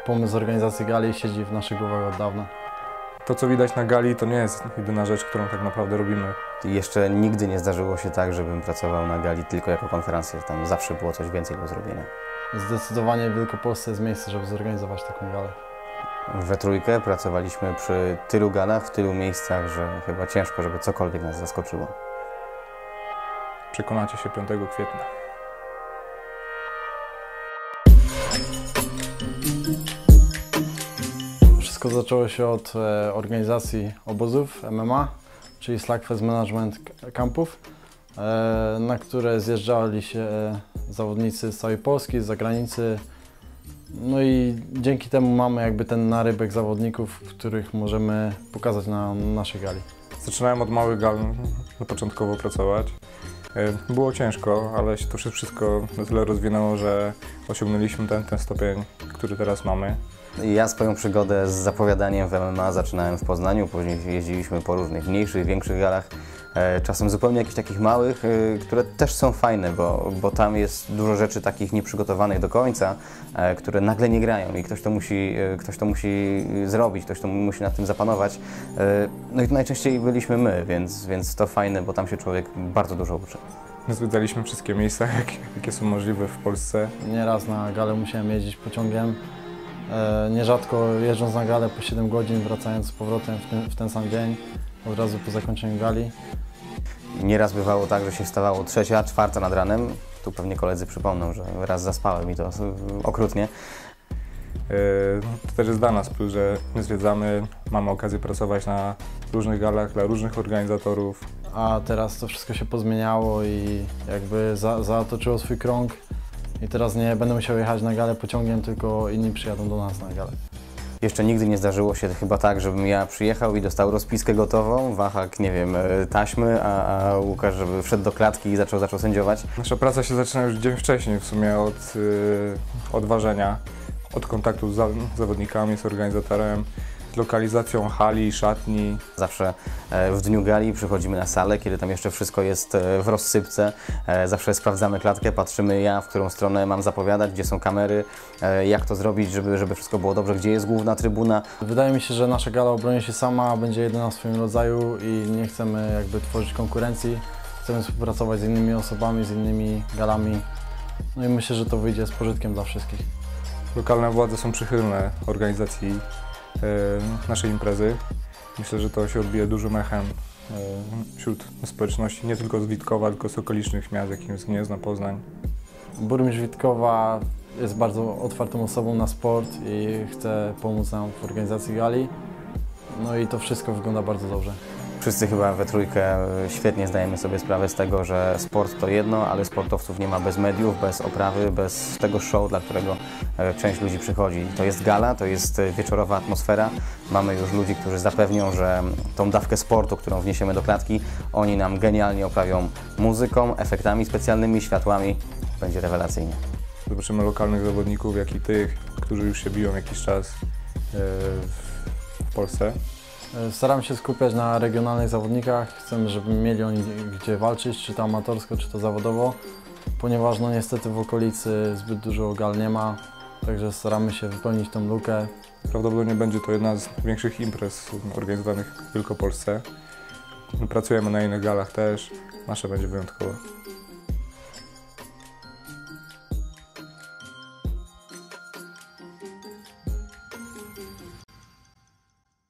pomysł organizacji gali siedzi w naszych głowach od dawna. To, co widać na gali, to nie jest jedyna rzecz, którą tak naprawdę robimy. Jeszcze nigdy nie zdarzyło się tak, żebym pracował na gali tylko jako konferencjer. Tam zawsze było coś więcej do zrobienia. Zdecydowanie w Wielkopolsce jest miejsce, żeby zorganizować taką galę. We trójkę pracowaliśmy przy tylu galach, w tylu miejscach, że chyba ciężko, żeby cokolwiek nas zaskoczyło. Przekonacie się 5 kwietnia. Wszystko zaczęło się od organizacji obozów MMA, czyli Slugfest Management Campów, na które zjeżdżali się zawodnicy z całej Polski, z zagranicy. No i dzięki temu mamy jakby ten narybek zawodników, których możemy pokazać na naszej gali. Zaczynałem od małych gal początkowo pracować. Było ciężko, ale się to wszystko na tyle rozwinęło, że osiągnęliśmy ten stopień, który teraz mamy. Ja swoją przygodę z zapowiadaniem w MMA zaczynałem w Poznaniu, później jeździliśmy po różnych mniejszych, większych galach, czasem zupełnie jakichś takich małych, które też są fajne, bo tam jest dużo rzeczy takich nieprzygotowanych do końca, które nagle nie grają i ktoś to musi zrobić, ktoś to musi nad tym zapanować. No i to najczęściej byliśmy my, więc to fajne, bo tam się człowiek bardzo dużo uczy. Zwiedzaliśmy wszystkie miejsca, jakie są możliwe w Polsce. Nieraz na galę musiałem jeździć pociągiem. Nierzadko jeżdżąc na galę po 7 godzin, wracając z powrotem w ten sam dzień, od razu po zakończeniu gali. Nieraz bywało tak, że się wstawało 3., 4 nad ranem. Tu pewnie koledzy przypomną, że raz zaspałem i to okrutnie. To też jest dla nas plus, że my zwiedzamy, mamy okazję pracować na różnych galach dla różnych organizatorów. A teraz to wszystko się pozmieniało i jakby zatoczyło swój krąg. I teraz nie będę musiał jechać na galę pociągiem, tylko inni przyjadą do nas na galę. Jeszcze nigdy nie zdarzyło się chyba tak, żebym ja przyjechał i dostał rozpiskę gotową, Wahak, nie wiem, taśmy, a Łukasz, żeby wszedł do klatki i zaczął sędziować. Nasza praca się zaczyna już dzień wcześniej, w sumie od ważenia, od kontaktu z zawodnikami, z organizatorem, z lokalizacją hali, szatni. Zawsze w dniu gali przychodzimy na salę, kiedy tam jeszcze wszystko jest w rozsypce. Zawsze sprawdzamy klatkę, patrzymy w którą stronę mam zapowiadać, gdzie są kamery, jak to zrobić, żeby wszystko było dobrze, gdzie jest główna trybuna. Wydaje mi się, że nasza gala obroni się sama, będzie jedyna w swoim rodzaju i nie chcemy jakby tworzyć konkurencji. Chcemy współpracować z innymi osobami, z innymi galami. No i myślę, że to wyjdzie z pożytkiem dla wszystkich. Lokalne władze są przychylne organizacji naszej imprezy. Myślę, że to się odbije dużym echem wśród społeczności, nie tylko z Witkowa, tylko z okolicznych miast, jakim jest Gniezno, Poznań. Burmistrz Witkowa jest bardzo otwartą osobą na sport i chce pomóc nam w organizacji gali. No i to wszystko wygląda bardzo dobrze. Wszyscy chyba we trójkę świetnie zdajemy sobie sprawę z tego, że sport to jedno, ale sportowców nie ma bez mediów, bez oprawy, bez tego show, dla którego część ludzi przychodzi. To jest gala, to jest wieczorowa atmosfera. Mamy już ludzi, którzy zapewnią, że tą dawkę sportu, którą wniesiemy do klatki, oni nam genialnie oprawią muzyką, efektami specjalnymi, światłami. Będzie rewelacyjnie. Zobaczymy lokalnych zawodników, jak i tych, którzy już się biją jakiś czas w Polsce. Staram się skupiać na regionalnych zawodnikach. Chcemy, żeby mieli oni gdzie walczyć, czy to amatorsko, czy to zawodowo, ponieważ no niestety w okolicy zbyt dużo gal nie ma, także staramy się wypełnić tą lukę. Prawdopodobnie będzie to jedna z większych imprez organizowanych w Wielkopolsce. Pracujemy na innych galach też, nasza będzie wyjątkowa.